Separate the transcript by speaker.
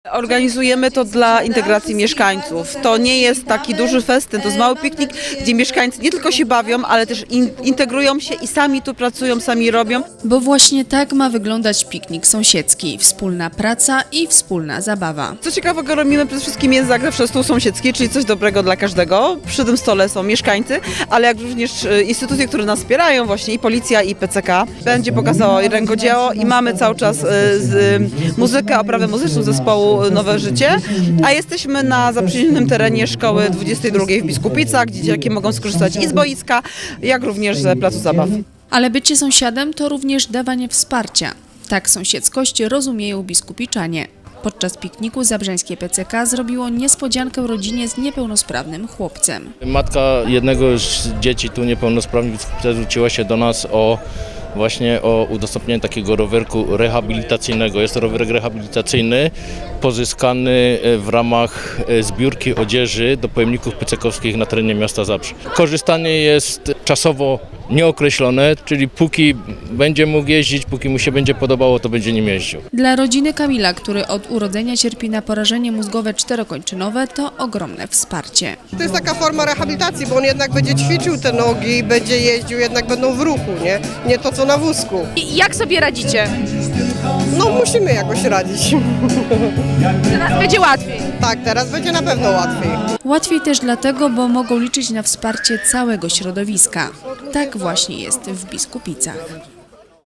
Speaker 1: Organizujemy to dla integracji mieszkańców. To nie jest taki duży festyn, to jest mały piknik, gdzie mieszkańcy nie tylko się bawią, ale też integrują się i sami tu pracują, sami robią.
Speaker 2: Bo właśnie tak ma wyglądać piknik sąsiedzki. Wspólna praca i wspólna zabawa.
Speaker 1: Co ciekawego robimy przede wszystkim jest zawsze stół sąsiedzki, czyli coś dobrego dla każdego. Przy tym stole są mieszkańcy, ale jak również instytucje, które nas wspierają, właśnie i policja, i PCK. Będzie pokazało rękodzieło i mamy cały czas muzykę, oprawę muzyczną zespołu Nowe Życie, a jesteśmy na zaprzyjaźnionym terenie szkoły 22 w Biskupicach, gdzie dzieciaki mogą skorzystać i z boiska, jak również z placu zabaw.
Speaker 2: Ale bycie sąsiadem to również dawanie wsparcia. Tak sąsiedzkość rozumieją biskupiczanie. Podczas pikniku zabrzeńskie PCK zrobiło niespodziankę rodzinie z niepełnosprawnym chłopcem.
Speaker 3: Matka jednego z dzieci tu niepełnosprawnych zwróciła się do nas o udostępnienie takiego rowerku rehabilitacyjnego. Jest to rowerek rehabilitacyjny pozyskany w ramach zbiórki odzieży do pojemników pycekowskich na terenie miasta Zabrze. Korzystanie jest czasowo nieokreślone, czyli póki będzie mógł jeździć, póki mu się będzie podobało, to będzie nim jeździł.
Speaker 2: Dla rodziny Kamila, który od urodzenia cierpi na porażenie mózgowe czterokończynowe, to ogromne wsparcie.
Speaker 4: To jest taka forma rehabilitacji, bo on jednak będzie ćwiczył te nogi, będzie jeździł, jednak będą w ruchu, nie to co na wózku.
Speaker 5: I jak sobie radzicie?
Speaker 4: No musimy jakoś radzić.
Speaker 5: Teraz będzie łatwiej.
Speaker 4: Tak, teraz będzie na pewno łatwiej.
Speaker 2: Łatwiej też dlatego, bo mogą liczyć na wsparcie całego środowiska. Tak właśnie jest w Biskupicach.